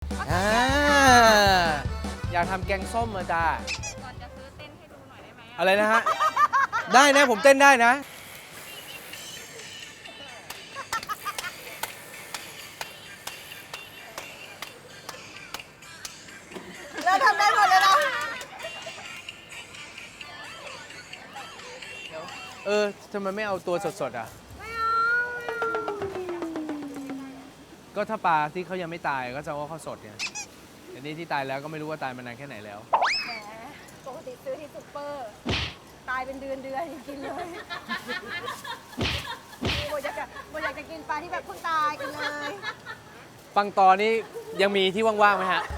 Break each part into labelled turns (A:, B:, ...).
A: อ่าอยากทำแกงส้มมาจ้า
B: ก่อนจะซื้อเต้นให้ดูหน่อยได้ไหม
A: อะไรนะฮะ ได้นะผมเต้นได้นะ
C: เราทำได้หมดเลยนะ
A: ทำไมไม่เอาตัวสดๆอ่ะ
C: ไม่เอา
A: ก็ถ้าปลาที่เขายังไม่ตายก็จะว่าเขาสดไงแต่นี่ที่ตายแล้วก็ไม่รู้ว่าตายมานานแค่ไหนแล้ว
C: แหมปกติซื้อที่ซุปเปอร์ ตายเป็นเดือนกินเลยโบอยากจะกินปลาที่แบบเพิ่งตายกันเลย
A: ปังตอนี่ยังมีที่ว่างๆไหมฮะ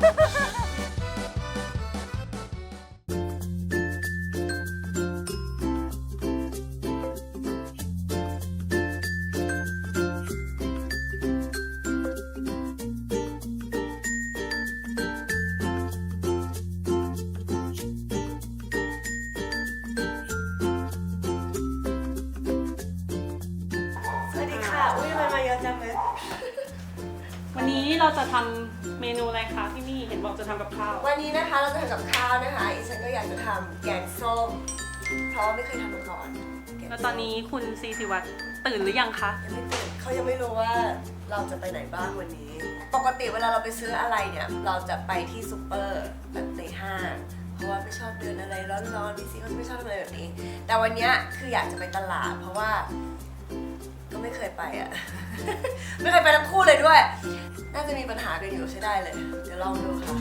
C: สวัสดีค่ะ อุ้ยมันมาเยอะจังเลย
D: วันนี้เราจะทำเมนูอะไรคะพี่มี่เห็นบอกจะทำกับข้าว
C: วันนี้นะคะเราจะทำกับข้าวนะคะอีฉันก็อยากจะทำแกงส้ม เพราะว่าไม่เคยทำมาก่อนแกง
D: แล้ว
C: ส้ม
D: ตอนนี้คุณซีสิวัตรตื่นหรือยังคะ
C: ยังไม่ตื่นเขายังไม่รู้ว่าเราจะไปไหนบ้างวันนี้ ปกติเวลาเราไปซื้ออะไรเนี่ย เราจะไปที่ซูเปอร์แบบในห้าง เพราะว่าไม่ชอบเดินอะไรร้อนๆพี่ซีก็ไม่ชอบทำอะไรแบบนี้ แต่วันเนี้ยคืออยากจะไปตลาด เพราะว่าก็ไม่เคยไปอ่ะ ไม่เคยไปทั้งคู่เลยด้วย น่าจะมีปัญหากันอยู่ใช้ได้เลย เดี๋ยวลองดูค่ะ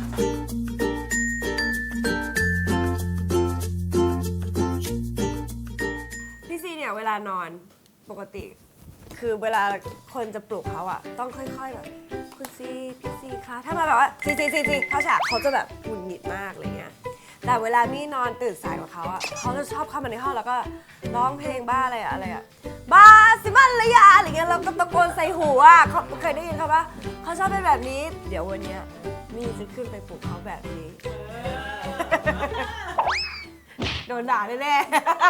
C: พี่ซีเนี่ยเวลานอนปกติ คือเวลาคนจะปลุกเขาอะต้องค่อยๆแบบคุณซีพี่ซีคะถ้ามาแบบว่าซีเข้าฉากเขาจะแบบหงุดหงิดมากอะไรเงี้ยแต่เวลามี่นอนตื่นสายกว่าเขาอะเขาจะชอบเข้ามาในห้องแล้วก็ร้องเพลงบ้าอะไรอะบ้าสิมันระยะอะไรเงี้ยเราก็ตะโกนใส่หูอะเขาเคยได้ยินเขาปะเขาชอบเป็นแบบนี้ เดี๋ยววันเนี้ยมี่จะขึ้นไปปลุกเขาแบบนี้ โดนด่าแน่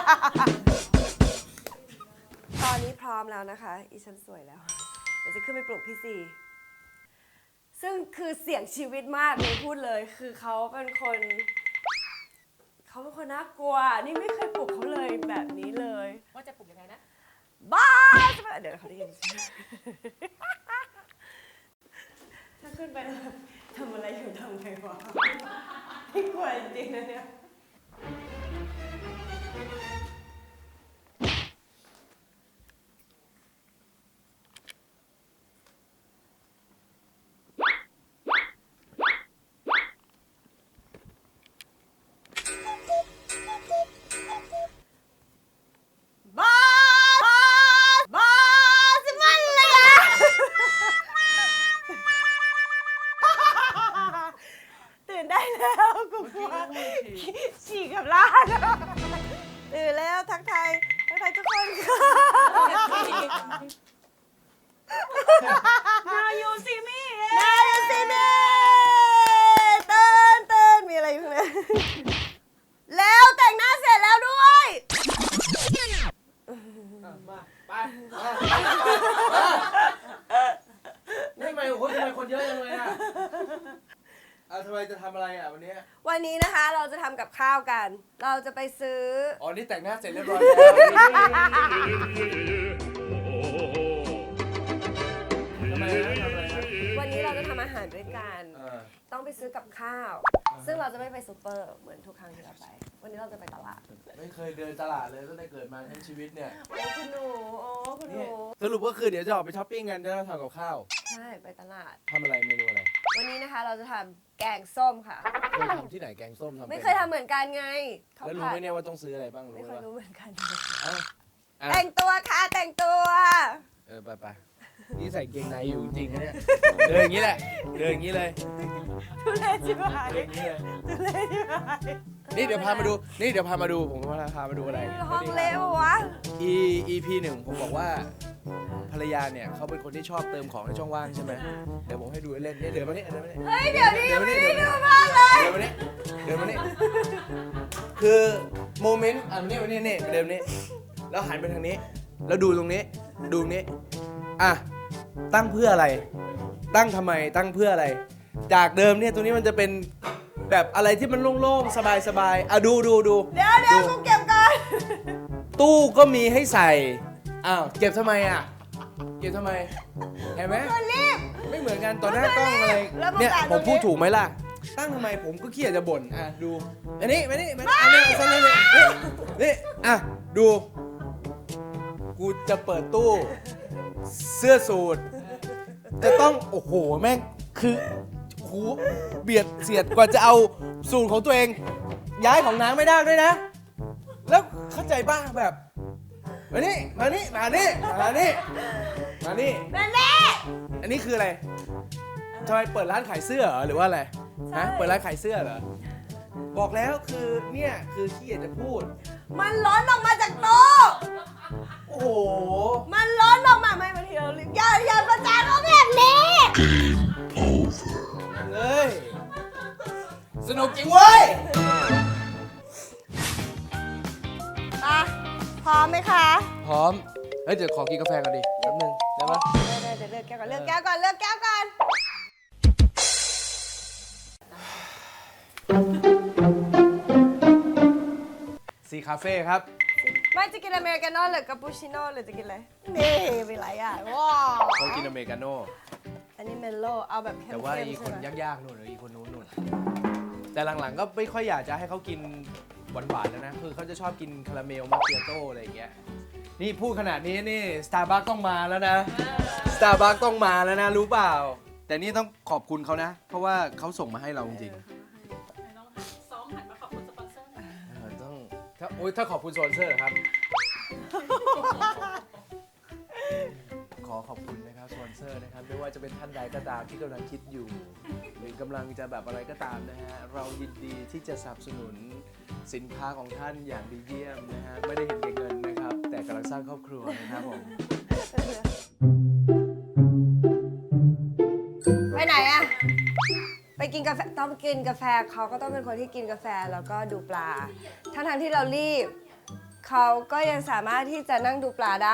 C: ๆ ตอนนี้พร้อมแล้วนะคะ อีฉันสวยแล้ว เดี๋ยวจะขึ้นไปปลุกพี่ซีซึ่งคือเสี่ยงชีวิตมากเลยพูดเลย คือเขาเป็นคนน่ากลัว นี่ไม่เคยปลุกเขาเลยแบบนี้เลย
B: ว่าจะปลุกยังไงนะ
C: บ้าเดี๋ยวเขาได้ยิน ถ้าขึ้นไปแล้วแบบทำอะไรอยู่ทำไงวะไม่กลัวจริงๆนะเนี่ย บ้าสิมันเลยอะ ตื่นได้แล้วกูกลัวฉี่กับล้านตื่นแล้วทักทายทุกคนค่ะ
D: นายูซีมี่
C: นายสิเน่ตื่นมีอะไรอยู่เนี่ยแล้วแต่งหน้าเสร็จแล้วด้วย
A: มาไปนี่ทำไมคนเยอะจังเลยอ่ะทำไมจะทำอะไรอ่ะวันนี้
C: วันนี้นะคะเราจะทำกับข้าวกัน เราจะไปซื้อ
A: อ๋อ นี่แต่งหน้าเสร็จเรียบร้อยแล้วทำไมนะทำอะไรนะ
C: วันนี้เราจะทำอาหารด้วยกัน
A: เออ
C: ต้องไปซื้อกับข้าว ซึ่งเราจะไม่ไปซูเปอร์เหมือนทุกครั้งที่เราไป วันนี้เราจะไปตลาด
A: ไม่เคยเดินตลาดเลยตั้งแต่เกิดมาทั้งชีวิตเนี่ย
C: โอ้คุณหนูคุณห
A: นี่
C: นู
A: สรุปก็คือเดี๋ยวจะออกไปช้อปปิ้งกันจะทำกับข้าว
C: ใช่ไปตลาด
A: ทำอะไรเมนูอะไร
C: วันนี้นะคะเราจะทำแกงส้มค่ะ
A: เคยทำที่ไหนแกงส้มทำ
C: ไม่เคยทำเหมือนกันไงเขา
A: แล้วรู้
C: ผั
A: ไหม
C: ด
A: เนี่ยว่าต้องซื้ออะไรบ้าง
C: ไม่
A: รู้
C: เคย
A: ปะ
C: รู้เหมือนกัน
A: เอ้าอ่ะ
C: แต่งตัวค่ะแต่งตัว
A: ไปนี่ใส่เกงในอยู่จริงๆนะเนี่ยเดินอย่างนี้แหละเดินอย่างนี้เลย
C: ทุเรศชิบหาย
A: เดินอย่างนี้เลย
C: ทุเรศชิบหาย
A: นี่เดี๋ยวพามาดูผมพามาดูอะไร
C: ห้องเละปะวะ
A: EP 1ผมบอกว่าภรรยาเนี่ยเขาเป็นคนที่ชอบเติมของในช่องว่างใช่ไหมเดี๋ยวผมให้ดูเล่นเนี่ยเดินมานี่
C: เฮ้ยเดี๋ยวนี้ยังไม่ได้ดูมากเลย
A: เดินมานี่คือโมเมนต์มานี่เดินมานี่แล้วหันไปทางนี้ แล้วดูตรงนี้อ่ะตั้งเพื่ออะไร ตั้งทำไมตั้งเพื่ออะไรจากเดิมเนี่ยตรงนี้มันจะเป็นแบบอะไรที่มันโล่งๆ สบายๆอ่ะดู
C: เดี๋ยวกูเก็บก่อน
A: ตู้ก็มีให้ใส่อ้าวเก็บทำไมอ่ะเก็บทำไมเห็นไหม
C: ตัวรีบ
A: ไม่เหมือนกันต่อหน้ากล้องอะไร
C: แล้วมึง
A: เนี่ย
C: ด่า
A: ผม
C: ตรงนี้
A: พูดถูกไหมล่ะ ตั้งทำไมผมก็ขี้อยากจะบ่นอ่ะดูอันนี้มานี่อันนี้เอาซะเลยนี่อ่ะดูกูจะเปิดตู้เสื้อสูทจะต้องโอ้โหแม่งคือหูเบียดเสียดกว่าจะเอาสูตรของตัวเอง ย้ายของนางไม่ได้ด้วยนะ แล้วเข้าใจป่ะแบบมานี่อันนี้คืออะไรทำไมเปิดร้านขายเสื้อเหรอหรือว่าอะไรฮะเปิดร้านขายเสื้อเหรอบอกแล้วคือเนี่ยคือขี้อยากจะพูด
C: มันล้นออกมาจากโต๊ะ
A: โอ้โห
C: มันล้นออกมาไม่บางทีเรารีบอย่าประจานเขาแบบนี้
A: เลยสนุกจริงเว้ย
C: อ่ะพร้อมไหมคะ
A: พร้อมเฮ้ยเดี๋ยวขอกินกาแฟก่อนดิแป๊บนึงได้ปะ
C: เดี๋ยวเลือกแก้วก่อนเลือกแก้วก่อน
A: ซีคาเฟ่ครับ
C: ไม่จะกินอเมริกาโน่หรือกาปูชิโน่หรือจะกินอะไร นี่เป็นไรอ่ะว้าว
A: เขากินอเมริกาโน่
C: อันนี้เมลโล่เอาแบบเข้ม
A: แต่ว่า
C: ๆ
A: อีกคน
C: ใช่ไหม
A: ยากๆนู่นหรืออีกคนนู้นแต่หลังๆก็ไม่ค่อยอยากจะให้เขากินหวานๆแล้วนะคือเขาจะชอบกินคาราเมลมาเคียโต้อะไรอย่างเงี้ยนี่พูดขนาดนี้นี่สตาร์บัคต้องมาแล้วนะสตาร์บัคต้องมาแล้วนะรู้เปล่า แต่นี่ต้องขอบคุณเขานะ เพราะว่าเขาส่งมาให้เราจริง
D: ต้องซ้อมหันมาขอบคุณสปอนเซอร์หน่อย
A: ๆต้องถ้าขอบคุณสปอนเซอร์ครับ ขอขอบคุณนะครับสปอนเซอร์นะครับไม่ว่าจะเป็นท่านใดก็ตามที่กำลังคิดอยู่ หรือกำลังจะแบบอะไรก็ตามนะฮะเรายินดีที่จะสนับสนุนสินค้าของท่านอย่างดีเยี่ยมนะฮะไม่ได้เห็นแก่เงินนะครับ แต่กำลังสร้างครอบครัวนะครับผม
C: ไปไหนอะไปกินกาแฟต้องกินกาแฟเขาก็ต้องเป็นคนที่กินกาแฟแล้วก็ดูปลาทั้งที่เรารีบเขาก็ยังสามารถที่จะนั่งดูปลาได้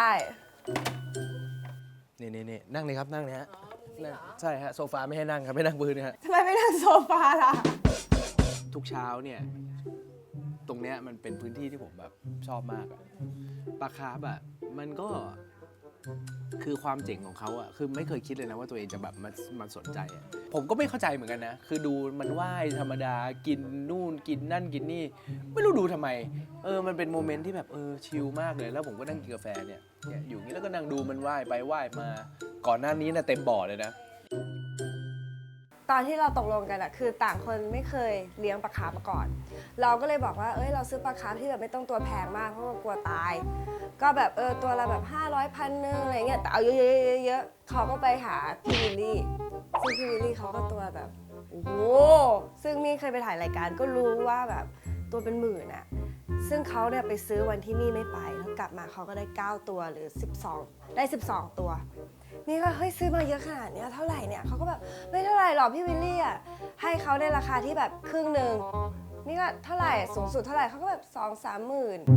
A: นี่นั่งเลยครับนั่งเลยฮะนั่งใช่ฮะโซฟาไม่ให้นั่งครับไม่นั่งพื้นนะฮะ
C: ทำไมไม่นั่งโซฟาล่ะ
A: ทุกเช้าเนี่ยตรงเนี้ยมันเป็นพื้นที่ที่ผมแบบชอบมากอะปลาคาร์ฟอะมันก็คือความเจ๋งของเขาอะคือไม่เคยคิดเลยนะว่าตัวเองจะแบบมันสนใจอะผมก็ไม่เข้าใจเหมือนกันนะคือดูมันว่ายธรรมดากินนู่นกินนั่นกินนี่ไม่รู้ดูทำไมมันเป็นโมเมนต์ที่แบบชิลมากเลยแล้วผมก็นั่งกินกาแฟเนี่ยอยู่นี้แล้วก็นั่งดูมันว่ายไปว่ายมาก่อนหน้านี้นะเต็มบ่อเลยนะ
C: ตอนที่เราตกลงกันอะคือต่างคนไม่เคยเลี้ยงปลาคาร์ฟมาก่อน เราก็เลยบอกว่าเราซื้อปลาคาร์ฟที่แบบไม่ต้องตัวแพงมากเพราะว่ากลัวตาย ก็แบบตัวละแบบ500 1,000อะไรเงี้ยแต่เอาเยอะๆเขาก็ไปหาพี่วิลลี่ซึ่งพี่วิลลี่เขาก็ตัวแบบโอ้โหซึ่งมี่เคยไปถ่ายรายการก็รู้ว่าแบบตัวเป็นหมื่นอะซึ่งเขาเนี่ยไปซื้อวันที่มี่ไม่ไปแล้วกลับมาเขาก็ได้9ตัวหรือ12ได้12ตัวนี่ก็เฮ้ยซื้อมาเยอะขนาดเนี้ยเท่าไหร่เนี่ยเขาก็แบบไม่เท่าไหร่หรอกพี่วิลลี่อ่ะให้เขาในราคาที่แบบครึ่งหนึ่งนี่ก็เท่าไหร่สูงสุดเท่าไหร่เขาก็แบบ2-3 หมื่น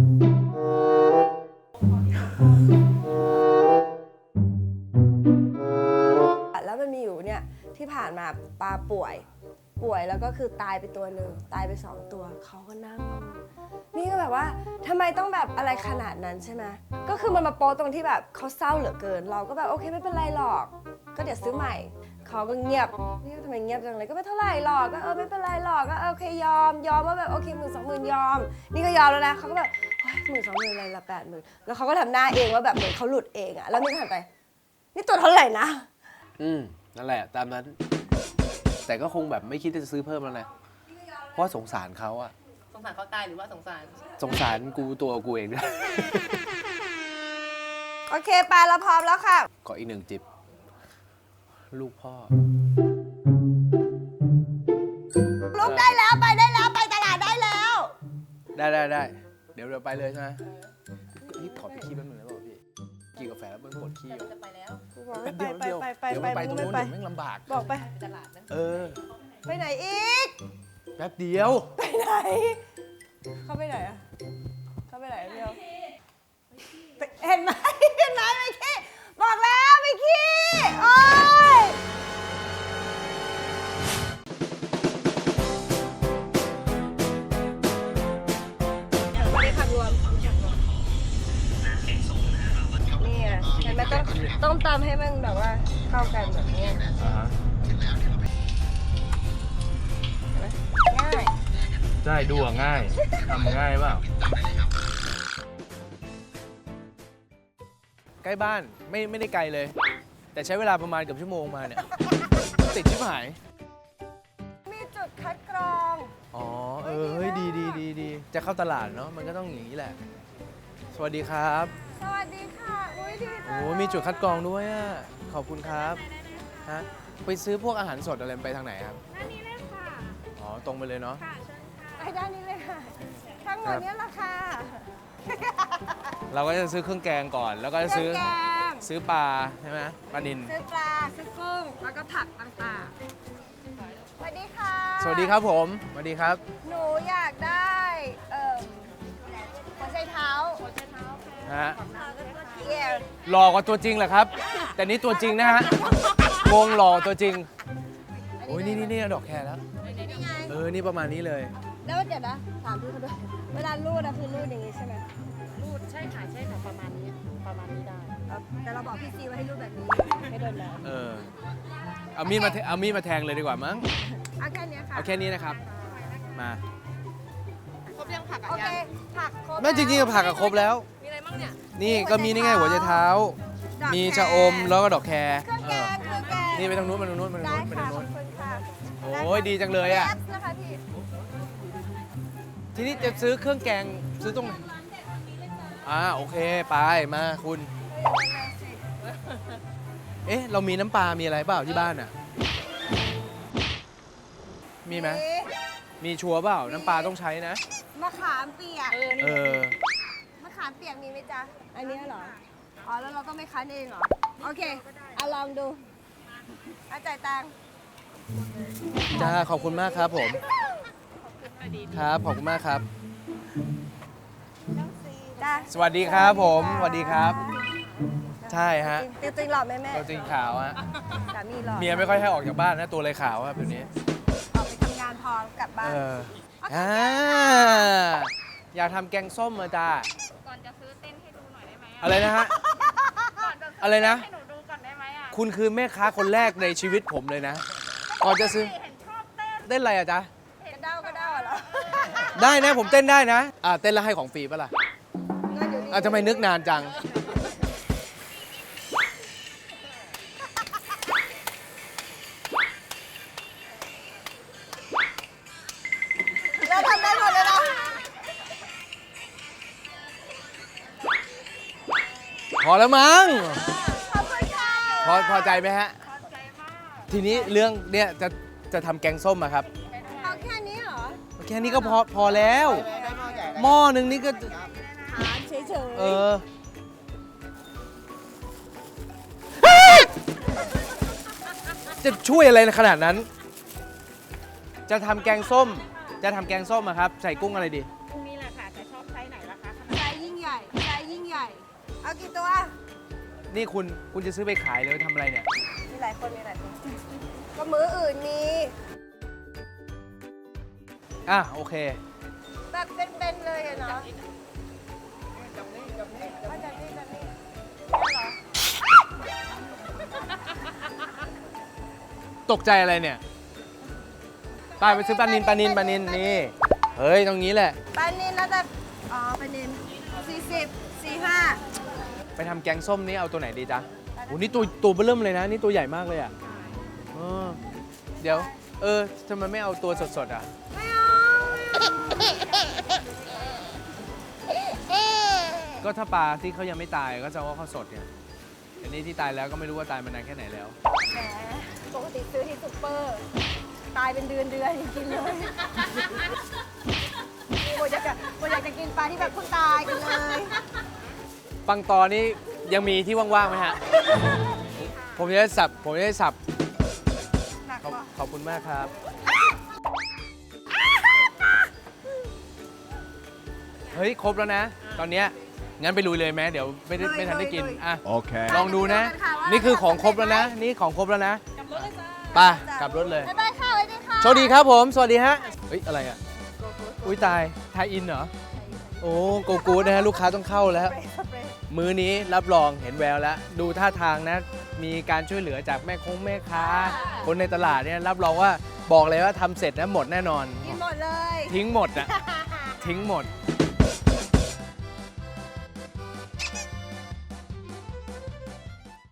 C: แล้วมันมีอยู่เนี่ยที่ผ่านมาปลาป่วยแล้วก็คือตายไปตัวหนึ่งตายไป2 ตัวเขาก็นั่งนี่ก็แบบว่าทำไมต้องแบบอะไรขนาดนั้นใช่ไหมก็คือมันมาโป๊ตรงที่แบบเขาเศร้าเหลือเกินเราก็แบบโอเคไม่เป็นไรหรอกก็เดี๋ยวซื้อใหม่เขาก็เงียบนี่ทำไมเงียบจังเลยก็ไม่เท่าไหร่หรอกก็ไม่เป็นไรหรอกก็โอเคยอมว่าแบบโอเค10,000-20,000ยอมนี่ก็ยอมแล้วนะเขาก็แบบ10,000-20,000อะไรละ80,000แล้วเขาก็ทำหน้าเองว่าแบบเหมือนเขาหลุดเองอะแล้วนี่ก็หันไปนี่ตัวเท่าไหร่นะ
A: นั่นแหละตามนั้น แต่ก็คงแบบไม่คิดจะซื้อเพิ่มแล้วนะเพราะสงสารเขาอะ
B: สงสารเขาตายหรือว่าสงสาร
A: สงสารตัวกูเองด้วย
C: โอเคปลาเราพร้อมแล้วค่ะ
A: ขออีก1 จิบลูกพ่อ
C: ลุกได้แล้วไปได้แล้วไปตลาดได้แล้ว
A: ได้เดี๋ยวเราไปเลยใช่ไหมพี่ขอไปขี้แป๊บนึงได้ป่ะพี่กินกาแฟแล้วมันปวดขี้
B: จะไปแล้ว
A: แป๊บเดียวเดี๋ยวไปตรงนู้นเดี๋ยวแม่งลำบาก
C: บอกไป
B: ไปตลาดนะ
C: ไปไหนอีก
A: แป๊บเดียว
C: ไปไหน เข้าไปไหนอะเข้าไปไหนเดียวเห็นไหมไม่ขี้บอกแล้วไม่ขี้โอ๊ยตำให้มันแบบว่าเข้ากันแบบนี้ ง่าย
A: ใช่ดูง่ายทำง่ายเปล่าใกล้บ้านไม่ได้ไกลเลย แต่ใช้เวลาประมาณเกือบชั่วโมงมาเนี่ย ติดชิบหาย
C: มีจุดคัดกรอง
A: อ๋อเฮ้ยดีจะเข้าตลาดเนาะมันก็ต้องอย่างนี้แหละ สวัสดีครับ
C: สวัสดีค่ะ อุ้ยดีจัง
A: โอ้มีจุดคัดกรองด้วยอ่ะขอบคุณครับฮะไปซื้อพวกอาหารสดอะไรไปทางไหนครับ
B: ด้านนี้เลยค่ะ
A: อ๋อตรงไปเลยเนาะ
B: ค่ะเชิญค่ะ
C: ไปด้านนี้เลยค่ะ ทั้งหมดเนี้ราคา
A: เราก็จะซื้อเครื่องแกงก่อน แล้วก็จะซื้อ
C: เครื่องแกง
A: ซื้อปลาใช่ไหมปลานิล
C: ซื้อปลา ซื้อกุ้ง แล้วก็ผักต่างๆ สวัสดีค่ะ
A: สวัสดีครับผมสวัสดีครับ
C: หนูอยากได้หัวใจเท้า
A: ฮะ
C: เย่
A: หล่อกว่าตัวจริงเหรอครับ แต่นี่ตัวจริงนะฮะงงหล่อตัวจริงโอ้ยนี่ดอกแคร์แล้ว
C: นี่ไง
A: นี่ประมาณนี้เลย
C: แล้วเดี๋ยวนะ ถามพี่เขาด้วย เวลารูดอะคือรูดอย่างนี้ใช่ไหม
B: รูดใช่ค่ะใช่ค่ะประมาณนี้ได้
C: แต่เราบอกพี่ซีว่าให้รูดแบบนี้ ให้โดนแล้ว
A: เอามีดมาแทงเลยดีกว่ามั้ง
C: เอาแค่เนี้ยค่ะ
A: เอาแค่นี้นะครับ มา
B: ครบยังผัก
C: โอเค ผักครบ
A: แม่จริงๆก็ผักกับครบแล้ว
B: มีอะไรบ้างเนี่ย
A: นี่ก็มีนี่ไงหัวใจเท้า
C: ดอก
A: มี
C: แค
A: ชะอมแล้วก็ดอกแคร์
C: เครื่องแกง เครื่องแกง
A: นี่ไปทางนู้นไปทางนู้นไปทาง
C: ได้
A: นู้นไป
C: ค่ะ
A: ทาง
C: ขอ
A: นู้
C: บ
A: น
C: คุณค่ะ
A: โอ้ยดีจังเลยอ่ะ
C: แอปนะคะพี่
A: ทีนี้จะซื้อเครื่องแกงซื้อตรงไหนโอเคไปมาคุณ เรามีน้ำปลา มีอะไรเปล่าที่บ้านอ่ะ มีไหมมีชัวร์เปล่า น้ำปลาต้องใช้นะ
C: มะขามเปียก มะขามเปียกมีไหมจ๊ะ อันนี้เหรอ อ๋อ แล้วเราต้องไม่คั้นเองเหรอ โอเคเอาลองดูเอาจ่ายตังค์
A: จ้าขอบคุณมากครับผม ครับ ขอบคุณมากครับ
C: จ้า
A: สวัสดีครับผมสวัสดีครับ ใช่ฮะ
C: จริงๆหล่อไหมแม่
A: ตัวจริงขาวฮะ
C: สามีหล่อ
A: เมียไม่ค่อยให้ออกจากบ้านนะ ตัวเลยขาวครับแบบนี้
C: ออกไปทำงานพอกลับบ้าน
A: อยากทำแกงส้มมาจ้า
B: ก่อนจะซื้อเต้นให้ดูหน่อยได้ไหม
A: อะไรนะฮะ
B: ก่อนจะซื้
A: อะไรนะ
B: ให้หนูดูก่อนได้ไหมอ่ะ
A: คุณคือแม่ค้าคนแรกในชีวิตผมเลยนะ ก่อนจะซื้อ
B: เห็นชอบเต้น
A: เต้นอะไรอะจ๊ะ
C: กระเด้ากระเด้าเหรอ
A: ได้นะผมเต้นได้นะ เต้นแล้วให้ของฟรีปะล่ะ
C: เงินอยู่นี่
A: ทำไมนึกนานจัง
C: เราทำได้หมดเลยนะ
A: พอแล้วมั้ง
C: ขอบคุณค่ะ
A: พอใจไหมฮะ
B: พอใจมาก
A: ทีนี้เรื่องเนี่ยจะทำแกงส้มอะครับ
C: เอาแค่นี้เหรอ
A: แค่นี้ก็พอแล้ว หม้อหนึ่งนี่ก็
C: ถามเฉยๆ
A: จะช่วยอะไรขนาดนั้น จะทำแกงส้มอะครับ ใส่กุ้งอะไรดี
B: พรุ่งนี้แหละค่ะแต่ชอบไซส์ไหนล่ะคะ
C: ใจยิ่งใหญ่ ใจยิ่งใหญ่ เอากี่ตัว
A: นี่คุณจะซื้อไปขายเลยทำอะไรเนี่ย
C: มีหลายคน ก็มื้ออื่นมี
A: โอเค
C: แบบเป็นๆเลยอะเนาะจับนี่เหรอ
A: ตกใจอะไรเนี่ยไปซื้อปลานินนี่ เฮ้ย ตรงนี้แหละ
C: ปลานินแล้วแต่ปลานิน40 45
A: ไปทำแกงส้มนี่เอาตัวไหนดีจ๊ะโอ้นี่ตัวเบิ่มเลยนะ นี่ตัวใหญ่มากเลยอ่ะเดี๋ยว ทำไมไม่เอาตัวสดๆอ่ะ
C: ไม่เอา
A: ก็ถ้าปลาที่เขายังไม่ตายก็จะว่าเขาสดไงอันนี้ที่ตายแล้วก็ไม่รู้ว่าตายมานานแค่ไหนแล้ว
C: แหมปกติซื้อที่ซุปเปอร์ ตายเป็นเดือนกินเลยโบอยากจะกินปลาที่แบบเพิ่งตายกันเลย
A: ปังตอนี่ยังมีที่ว่างๆไหมฮะ ผมจะได้สับ
C: หนักปะ
A: ขอบคุณมากครับ เฮ้ย ครบแล้วนะ ตอนเนี้ยงั้นไปลุยเลยไหมเดี๋ยวไม่ทันได้กิน อ่ะ
E: Okay.
A: ลองดูนะ นี่คือของครบแล้วนะ นี่ของครบแล้วนะไปกลับรถเลย
C: บ๊ายบายค่ะสวัสดีค่ะ
A: โชคดีครับผม สวัสดีฮะ เฮ้ย อะไรอ่ะ อุ้ยตาย ทายอินเหรอ โอ้โกกูดนะฮะ ลูกค้าต้องเข้าแล้ว
C: สเปรย์
A: มื้อนี้รับรองเห็นแววแล้ว ดูท่าทางนะ มีการช่วยเหลือจากแม่ค้า คนในตลาดเนี่ยรับรองว่าบอกเลยว่าทำเสร็จนะหมดแน่นอน
C: กินหมดเลย
A: ทิ้งหมดอะทิ้งหมด